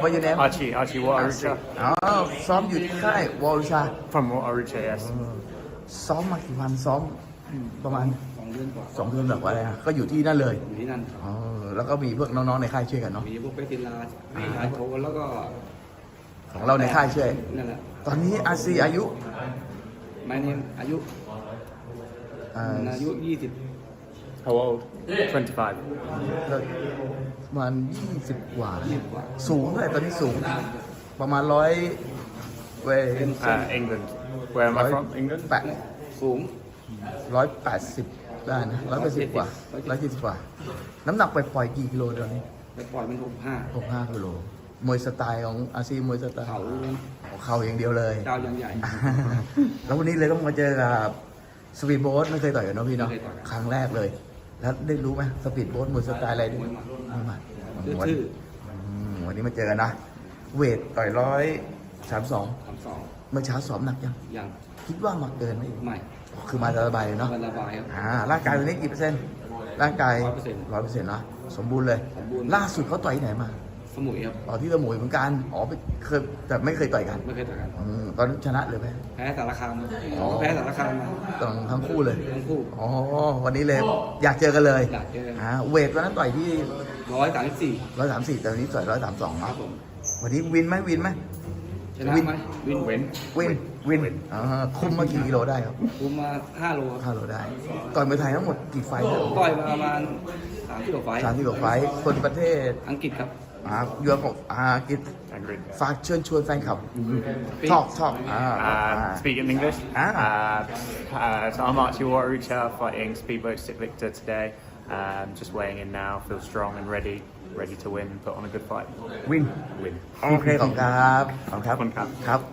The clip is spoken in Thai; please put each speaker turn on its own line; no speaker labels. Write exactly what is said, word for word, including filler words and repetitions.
ว่าอยู่ไหน
Archie, Archie Watarucha.
อ๋อซ้อมอยู่ที่ค่ายวอลชา
From Watarucha, yes.
ซ้อมมากี่วันซ้อมประมาณ
สองเดือนกว่า
สองเดือนแบบว่าอะไรฮะก็อยู่ที่นั่นเลย
อยู่ที่นั่น
อ๋อแล้วก็มีพวกน้องๆในค่ายช่วยกันเนาะ
มีพวกเปติลามีชายโทแล้วก็
ของเราในค่ายช่วย
นั่นแหละ
ตอนนี้อาซีอายุ
ไม่เนี่ยอายุ
อ่า
อายุยี่สิบ
How old? twenty-five.
ก็ประมาณยี่สิบกว่า
ยี่สิบกว่า
สูงเท่าไหร่ตอนนี้สูง ประมาณร้อยเว
Uh, England. Where am I from? England?
แปด
สูง
ร้อยแปดสิบได้นะร้อยแปดสิบกว่าร้อยเจ็ดสิบกว่า น้ำหนักไปปล่อยกี่กิโลตอนนี้
ไปปล่อยมันหกห้า
หกห้ากิโลมวยสไตล์ของอาซีมวยสไตล์
เขา
ของเขาอย่างเดียวเลย
ดาวยังใหญ่
แล้ววันนี้เลยต้องมาเจอกับสปีดโบ๊ทไม่เคยต่อยกันเนาะพี่เนาะ
ไม่เคยต่อยกัน
ครั้งแรกเลย แล้วได้รู้ไหมสปีดโบ๊ทมวยสไตล์อะไร
มวยหมัด
มวยหมัด
ชื่อชื่อ
อืมวันนี้มาเจอกันนะ เวทต่อยร้อยสามสอง
สามสอง
เมื่อเช้าซ้อมหนักยัง
ยัง
คิดว่ามาเกินไหม
ไม่
คือมาสบายเลยเนาะ
มันระบายครับ
อ่าร่างกายวันนี้กี่เปอร์เซ็นต์ร่างกาย
ร้อยเปอร์เซ็นต์
ร้อยเปอร์เซ็นต์เนาะสมบูรณ์เลย
สมบูรณ์
ล่าสุดเขาต่อยที่ไหนมา
สมุยครับ
ต่อที่สมุยเหมือนกันอ๋อไปเคยแต่ไม่เคยต่อยกัน
ไม่เคยต่อยกัน
อืมตอนนั้นชนะเลยไหม
แพ้สารคาม
อ๋อ
แพ้สารคามมา
ตอนทั้งคู่เลย
ทั้งคู่
อ๋อวันนี้เลยอยากเจอกันเลย
อยากเจอ
อ่าเวทวันนั้นต่อยที่
ร้อยสามสิบสี่
ร้อยสามสี่แต่วันนี้ต่อยร้อยสามสอง
ครั
เนาะ
บผม
วันนี้วินไหมวินไหม
ชนะ
วิน
ไหมวิน
Win.
วินวินอ่าคุมมากี่กิโลได้ครับ
คุมมาห้าโลครับ
ห้าโลได้ต่อยมวยไทยทั้งหมดกี่ไฟท์ครับ
ต่อยมาประมาณสามที่กว่าไฟล์
สามที่กว่าไฟท์คนประเทศ
อังกฤษครับ
อ่ายูโรปอ่ากิจ
Angry.
ฝากเชิญชวนแฟนคลับชอบชอบอ่า
Um, speak in English.
Ah.
Uh, uh, so I'm Archie Watarucha fighting Speedboat Stick Victor today. Um, just weighing in now. Feel strong and ready, ready to win. Put on a good fight.
วิน
Win.
โอเคขอบคุณครับขอบคุณครับ
ขอบคุณครับ
ครับ